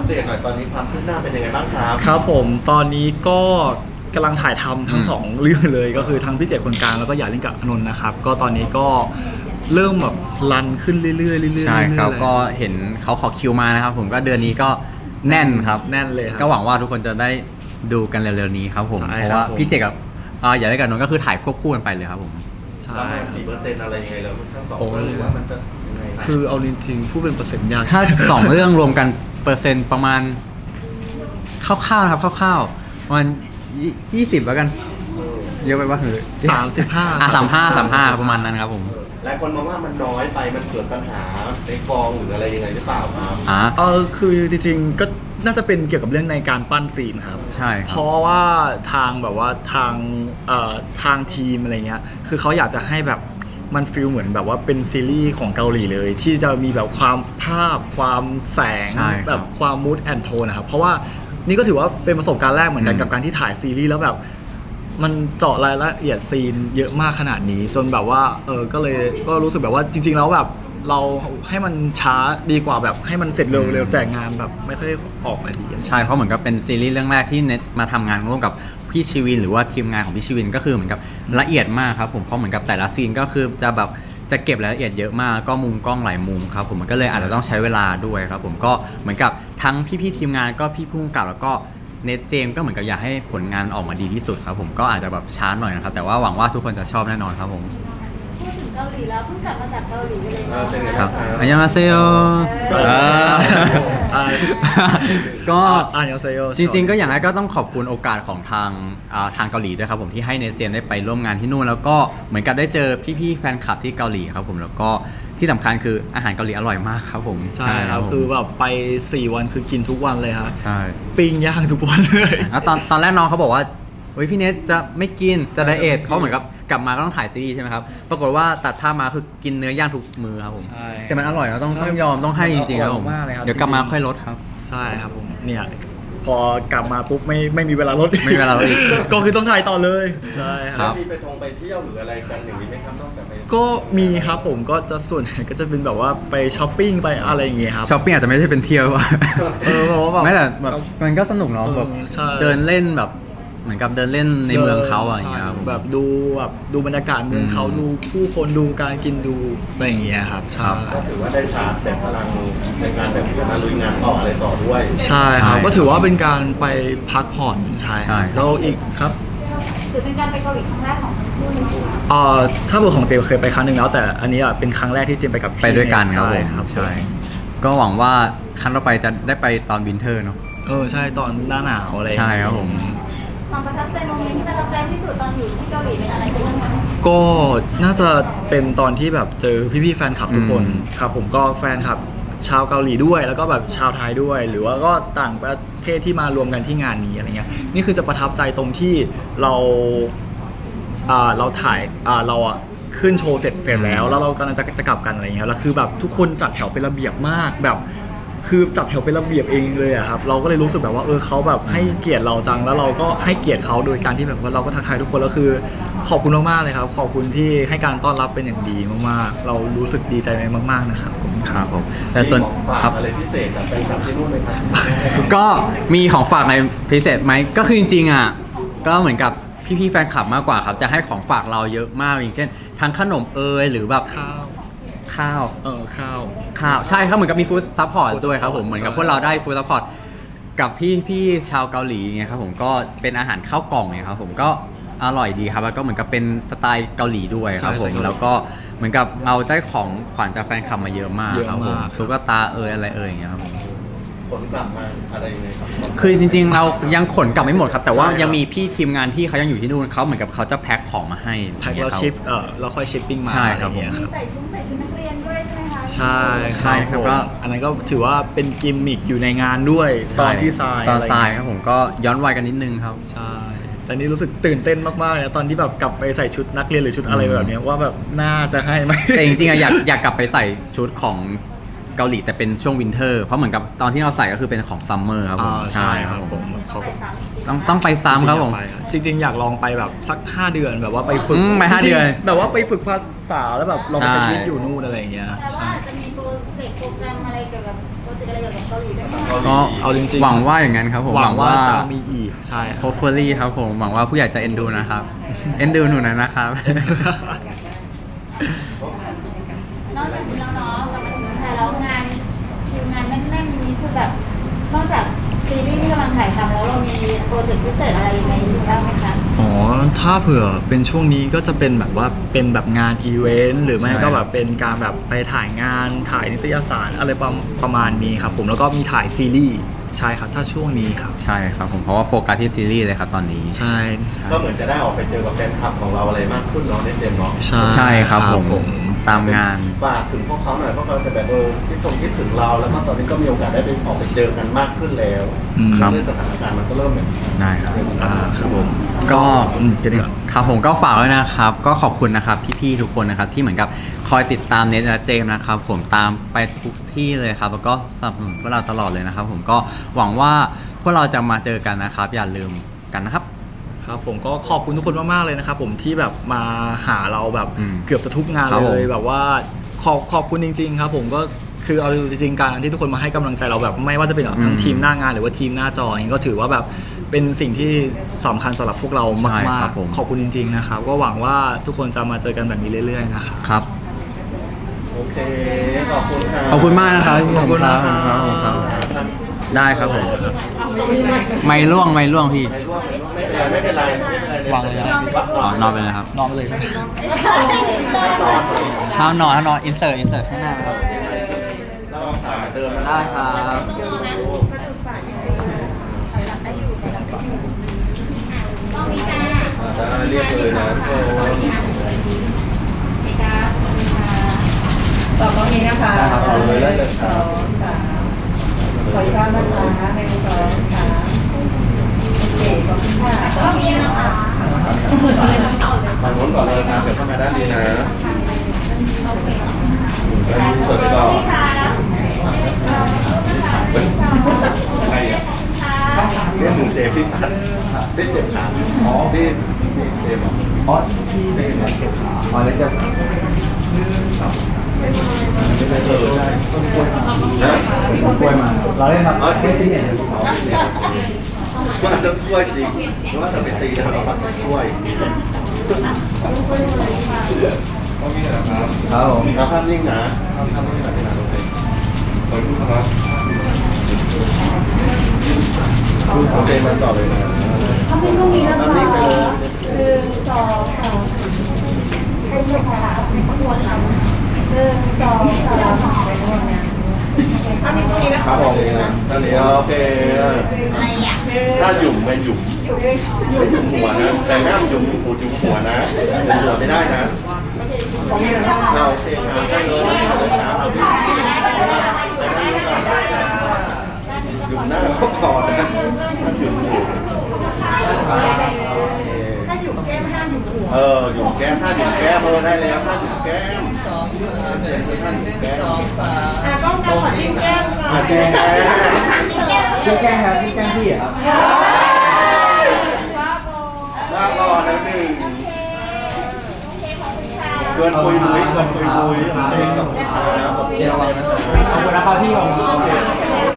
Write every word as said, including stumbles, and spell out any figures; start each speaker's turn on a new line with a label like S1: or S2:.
S1: เดตหน่อยตอนนี้ความคืบหน้าเป็นยังไงบ้างครับ
S2: ครับผมตอนนี้ก็กำลังถ่ายทำทั้งสองเรื่องเลยก็คือทั้งพี่เจตคนกลางแล้วก็อยากเล่นกับอานนท์นะครับก็ตอนนี้ก็เริ่มแบบรันขึ้นเรื่อยๆเรื่อยๆ
S3: ใช่ครับก็เห็นเขาขอคิวมานะครับผมก็เดือนนี้ก็แน่นครับ
S2: แน่นเลย
S3: ก็หวังว่าทุกคนจะได้ดูกันเร็วๆนี้ครับผมเพราะว่าพี่เจกับอยากเล่นกับอานนท์ก็คือถ่ายควบคู่กันไปเลยครับผม
S1: ใช่กี่เปอร์เซ็นต์อะไรยังไงแล้วทั้งสองเรื่องหรือว่ามันจะยังไง
S2: คือเอาจริงๆพูดเป็นเปอร์เซ็นต์ยาก
S3: ถ้าสองเรื่องรวมกันเปอร์เซ็นต์ประมาณคร่าวๆนะครับคร่าวๆประมาณยี่สิบแล้วกันเยอะไปว่าหือ
S2: สามสิบห้า
S3: อ่ะสามห้าสามห้าประมาณนั้นครับผม
S1: หลายคนมองว่ามันน้อยไปมันเกิดปัญหาในกองหรืออะไรยังไงหรือเปล่าครับ
S3: อ่า
S2: เออคือจริงๆก็น่าจะเป็นเกี่ยวกับเรื่องในการปั้นซีนครับ
S3: ใช่
S2: เพราะว่าทางแบบว่าทางเอ่อทางทีมอะไรเงี้ยคือเขาอยากจะให้แบบมันฟีลเหมือนแบบว่าเป็นซีรีส์ของเกาหลีเลยที่จะมีแบบความภาพความแสงแบบความมูดแอนโทนนะครับเพราะว่านี่ก็ถือว่าเป็นประสบการณ์แรกเหมือนกันกับการที่ถ่ายซีรีส์แล้วแบบมันเจาะรายละเอียดซีนเยอะมากขนาดนี้จนแบบว่าเออก็เลยก็รู้สึกแบบว่าจริงๆแล้วแบบเราให้มันช้าดีกว่าแบบให้มันเสร็จเร็วๆแต่งานแบบไม่ค่อยออกมาดี
S3: ใช่เพราะเหมือนกับเป็นซีรีส์เรื่องแรกที่เน็ตมาทำงานร่วมกับพี่ชีวินหรือว่าทีมงานของพี่ชีวินก็คือเหมือนกับละเอียดมากครับผมเพราะเหมือนกับแต่ละซีนก็คือจะแบบจะเก็บรายละเอียดเยอะมากก็มุมกล้องหลายมุมครับผมมันก็เลยอาจจะต้องใช้เวลาด้วยครับผมก็เหมือนกับทั้งพี่ๆทีมงานก็พี่ผู้กำกับแล้วก็เนทเจมก็เหมือนกับอยากให้ผลงานออกมาดีที่สุดครับผมก็อาจจะแบบช้าหน่อยนะครับแต่ว่าหวังว่าทุกคนจะชอบแน่นอนครับผม
S4: พูดถึงเกาหลีแล้วเพิ่งกลับมาจากเกาหลีเลยนะครับ
S3: อันยองอาเซโยก็
S2: อันยองอาเซโย
S3: จริงๆก็อย่างไรก็ต้องขอบคุณโอกาสของทางทางเกาหลีด้วยครับผมที่ให้เนทเจมได้ไปร่วมงานที่นู่นแล้วก็เหมือนกับได้เจอพี่ๆแฟนคลับที่เกาหลีครับผมแล้วก็ที่สำคัญคืออาหารเกาหลีอร่อยมากครับผม
S2: ใช่ครับคือแบบไปสี่วันคือกินทุกวันเลยครับ
S3: ใช่
S2: ปิ้งย่างทุกวันเลย
S3: แล้วตอนตอนแรกน้องเขาบอกว่าเฮ้ยพี่เนทจะไม่กินจะไดเอทเขาเหมือนกับกลับมาก็ต้องถ่ายซีรีส์ใช่ไหมครับปรากฏว่าตัดท่ามาคือกินเนื้อย่างทุกมื้อครับผมแต่มันอร่อยเราต้องต้องยอมต้องให้จริงๆครับผมเดี๋ยวกลับมาค่อยลดครับ
S2: ใช่ครับผมเนี่ยพอกลับมาปุ๊บไม่ไม่มีเวลาลด
S3: ไม่มีเวลาลดอีก
S2: ก็คือต้องถ่ายต่อเลยใช่ครับ
S1: มีไปทงไปเที่ยวหรืออะไรกันอย่างนี้ไหมครับนอกจากไป
S2: ก็มีครับผมก็จะส่วนใหญ่ก็จะเป็นแบบว่าไปช้อปปิ้งไปอะไรอย่างเงี้ยครับ
S3: ช้อปปิ้งอาจจะไม่ใช่เป็นเที่ยวว่ะ
S2: เออเพราะว่าแบบ
S3: ไม่แต่แบบมันก็สนุกเนาะแบบเดินเล่นแบบเหมือนกับเดินเล่นในเมืองเขาอย่างเงี้ย
S2: แบบดูแบบดูบรรยากาศเมืองเขาดูผู้คนดูการกินดูอะไรอย่างเงี้ยครับใช่
S1: ก็ถือว่าได้ชาร์จแต่พลังในการแบบมาลุยงานต่ออะไรต่อด้วย
S2: ใช่ครับก็ถือว่าเป็นการไปพักผ่อนใช่แล้วอีกครับ
S4: ถือเป็นการไปเกาหลีครั้งแรกของทั้งคู่เลย
S2: เอ่อถ้าเป็นของเจมเคยไปครั้งหนึ่งแล้วแต่อันนี้อ่ะเป็นครั้งแรกที่เจมไปกับ
S3: ไปด้วยกันครับผมใช่ก็หวังว่าครั้งต่อไปจะได้ไปตอนวินเทอร์เนาะ
S2: เออใช่ตอนหน้าหนาวอะไร
S3: ใช่ครับผม
S4: ความประทับใจโมเมนต์ที่ประทับใจที่สุดตอนอยู่ที่เกาหลีเป็นอะไรกันบ้างคะ
S2: ก็น่าจะเป็นตอนที่แบบเจอพี่ๆแฟนคลับทุกคนครับผมก็แฟนคลับชาวเกาหลีด้วยแล้วก็แบบชาวไทยด้วยหรือว่าก็ต่างประเทศที่มารวมกันที่งานนี้อะไรเงี้ยนี่คือจะประทับใจตรงที่เราอ่าเราถ่ายอ่าเราอ่ะขึ้นโชว์เสร็จเสร็จแล้วแล้วเรากำลังจะจะกลับกันอะไรเงี้ยแล้วคือแบบทุกคนจัดแถวเป็นระเบียบมากแบบคือจัดแถวเป็นระเบียบเองเลยอะครับเราก็เลยรู้สึกแบบว่าเออเขาแบบให้เกียรติเราจังแล้วเราก็ให้เกียรติเขาโดยการที่แบบว่าเราก็ทักทายทุกคนแล้วคือขอบคุณมากๆเลยครับขอบคุณที่ให้การต้อนรับเป็นอย่างดีมากๆเรารู้สึกดีใจมากๆนะครับผม
S3: ครับผมแต่ส่วน
S1: ครับอะไรพิเศษจากแฟนคลับที่นู่นไหมครับ
S3: ก็มีของฝากในพิเศษไหมก็คือจริงๆอ่ะก็เหมือนกับพี่ๆแฟนคลับมากกว่าครับจะให้ของฝากเราเยอะมากอย่างเช่นทั้งขนมเอยหรือแบบ
S2: ข้าว
S3: ข้าว
S2: เออข้าว
S3: ข้าวใช่ครับเหมือนกับมีฟู้ดซัพพอร์ตด้วยครับผมเหมือนกับพวกเราได้ฟู้ดซัพพอร์ตกับพี่พี่ชาวเกาหลีไงครับผมก็เป็นอาหารข้าวกล่องไงครับผมก็อร่อยดีครับแล้วก็เหมือนกับเป็นสไตล์เกาหลีด้วยครับผมแล้วก็เหมือนกับเราได้ของขวัญจากแฟนคลับมาเยอะมากครับผมตุ๊กตาเอยอะไรเอยอย่างเงี้ยครับผม
S1: ขนกลับมาอะไรยังไงครับ
S3: คือจริงๆเรายังขนกลับไม่หมดครับแต่ว่ายังมีพี่ทีมงานที่เขายังอยู่ที่นู่นเขาเหมือนกับเขาจะแพ็คของมาให้
S2: แพ็คแล้วชิปเออแล้วค่อยชิปปิ้งมา
S3: ใช่ครับผม
S4: ใส่ชุดใส่ชุดนักเรียนด้วยใช่ไหมคะ
S2: ใช่
S3: ใช่ครับก็
S2: อันนั้นก็ถือว่าเป็นกิมมิคอยู่ในงานด้วยตอนที่ทราย
S3: ตอนทรายครับผมก็ย้อนวัยกันนิดนึงครับ
S2: ใช่แต่นี่รู้สึกตื่นเต้นมากๆเลยตอนที่แบบกลับไปใส่ชุดนักเรียนหรือชุดอะไรแบบนี้ว่าแบบน่าจะให้ไหม
S3: แต่จริงๆอยากอยากกลับไปใส่ชุดของเกาหลีแต่เป็นช่วงวินเทอร์เพราะเหมือนกับตอนที่เราใส่ก็คือเป็นของซัมเมอร์ครับผม
S2: ใช่ครับผม
S3: เขาต้องต้องไปซ้ำครับผม
S2: จริงๆอยากลองไปแบบสักห้าเดือนแบบว่าไปฝึก
S3: ไปห้าเดือน
S2: แบบว่าไปฝึกภาษาแล้วแบบลองใช้ชีวิตอยู่นู่นอะไรอย่างเงี้ย
S4: แต่ว่าอาจจะมีโปรเจกต์โปรแกรมอะไรเกี่ยวกับโปรเจกต์อะไรเกี่ยวกับเกาหลีได้ไหม
S3: ก็
S2: เอาจริงๆ
S3: หวังว่าอย่างนั้นครับผม
S2: หวังว่าจะมีอีกใช่ครับ
S3: hopefully ครับผมหวังว่าผู้ใหญ่จะเอ็นดูนะครับ เอ็นดูหนูหนะนะครับ
S4: นอกจากนี้แล้วเนาะกลับมาถึงเมืองไทยแล้วงานคิวงานแน่นๆนี้คือแบบนอกจากซีรีส์ที่กำลังถ่ายทำแล้วเรามีโปรเจกต์พิเศษอะไรยังไงอยู่บ้างไหมคะ
S2: อ๋อ ถ้าเผื่อเป็นช่วงนี้ก็จะเป็นแบบว่าเป็นแบบงานอีเวนต์หรือไม่
S3: ใช่
S2: ก็แบบเป็นการแบบไปถ่ายงานถ่ายนิตยสารอะไรประประมาณนี้ครับผมแล้วก็มีถ่ายซีรีส์ใช่ครับถ้าช่วงนี้ครับ
S3: ใช่ครับผมเพราะว่าโฟกัสที่ซีรีส์เลยครับตอนนี้
S2: ใช่
S1: ก็เหมือนจะได้ออกไปเจอกับแฟนคลับของเราอะไรมากขึ้นเนาะในเจมส์เนาะ
S2: ใช่
S3: ใช่ครับผมตามงาน
S1: ฝากถึงพวกเขาหน่อยเพราะเขาจะแบบเออคิดตรงคิดถึงเราแล้วก็ตอนนี้ก็มีโอกาสได้ไปออกไปเจอกันมากขึ้นแล้ว
S2: อืม
S1: ด้วยสถานการณ์มันก็เริ่มแบบ
S3: ได้ครับ
S2: อ่าครับผม
S3: ก็
S2: อืมเดี๋ยวนี้ก่อน
S3: ครับผมก็ฝากไว้นะครับ ก็ขอบคุณนะครับพี่ๆทุกคนนะครับที่เหมือนกับคอยติดตามเน็ตและเจมส์นะครับผมตามไปทุกที่เลยครับแล้วก็สนับสนุนพวกเราตลอดเลยนะครับผมก็หวังว่าพวกเราจะมาเจอกันนะครับ อย่าลืมกันนะครับ
S2: ครับผมก็ขอบคุณทุกคนมากๆเลยนะครับผมที่แบบมาหาเราแบบ
S3: อืม
S2: เกือบจะทุกงาน
S3: ครับ
S2: เล
S3: ผม
S2: ยแบบว่าขอบขอบคุณจริง ๆ ครับผมก็คือเอาจริงๆการที่ทุกคนมาให้กำลังใจเราแบบไม่ว่าจะเป็นแบบทั้งทีมหน้างานหรือว่าทีมหน้าจออย่างนี้ก็ถือว่าแบบเป็นสิ่งที่สำคัญสำหรับพวกเรา
S3: ใช่
S2: มาก
S3: ครับผม
S2: ๆขอบคุณจริงๆนะครับก็หวังว่าทุกคนจะมาเจอกันแบบนี้เรื่อยๆนะครับ
S3: ครับ
S1: โอเคขอบคุณครับ
S3: ขอบคุณมากนะครับ
S2: ขอบคุณครับ
S3: ขอบคุณครับ
S1: ครับ
S3: ได้ครับผมไม่ล่วงไม่ล่วงพี่
S1: ไม่ร่วงไม่เป็นไรไม่เป็นไรไม่เป็นไร
S2: วางเลยนะ
S1: วัก
S3: อ๋อนอนไปเลยครับ
S2: นอนไปเลยใช่ไหม
S1: นอน
S3: ถ้านอนถ้านอนอินเสิร์ตอินเสิร์ตข้างหน้าครับ
S1: เราเอาสายมาเดิน
S3: ได้ครับ
S4: ต้องมีการ
S1: จะเรียกเลยนะโอ้
S5: ต่อตรงนี้นะคะ
S1: เอาเลยได้เลยครับ
S5: ขออีกครั้งนะคะในสองค่ะโอเคขอบคุณค่ะ
S4: ต้องมีนะคะ
S1: ฝั่งโน้นก่อนเลยนะเดี๋ยวเข้ามาด้านนี้นะแล้วมีส่วนต่อเฮ้ยอะไรอ่ะเรียกหนึ่งเจมที่พันที่เจ็บขาอ๋อที่ที่เจมอ๋อที่เจ็บขาอ๋อแล้วจะไม่ได้เจอใช่ต้นกล้วยนะ
S3: กล้วยมาเราเล่นแบบ
S1: อ๋อที่ที่เนี่ยว่าจะกล้วยจริงหรือว่าจะไปตีกันเราปัดกล้วย
S3: ครับผม
S1: เอาภาพนิ่งนะเอาภาพนิ่งแบบนี้นะโอเคขอบคุณครับโอเคมาต่อเลยนะ
S5: ทำให้ลูกนี้นะ
S1: ภา
S5: คะ
S1: พนิ่งไปเลย
S5: หนึ่งสองสามให้ลูกค่ะไม่ขบวนค่ะหนึ่งสองสามไปนวดนะทำให้ตรงนี้นะครับ
S1: ผมตอนนี้โอเค
S4: อะไรอ่ะ
S1: ถ้าหยุ่มเป็นหยุ่มไม่หยุ่มหัวนะ แต่ห้ามหยุ่มหูหยุ่มหัวนะหยุ่มหัวไม่ได้นะเอาโอเคครับได้เลยได้เลยครับเอาพี่หยุ่มหน้าก็พอนะถ้าหยุ่มหู
S5: ถ้าอยู่แก้มห้ามอยู่หัว
S1: เออหยุ่มแก้มถ้าหยุ่มแก้มเออได้แล้วถ้าหยุ่มแก้มเจ็บเลยท่านหยุ่มแก้ม
S5: อ่ะต้องการขอจิ้มแก้มก่อ
S1: อาน เจ๊แก้ม
S3: พี่แกล้งครับพี่แกล้งพี่ครับ
S1: ลาก่อนนะหนึ่งเกินปุยมุ้ยเกินปุยมุ้ยโอเคขอบคุณครับขอบคุณนะครับ
S3: ขอบคุณนะครับพี่ผม
S1: โอเค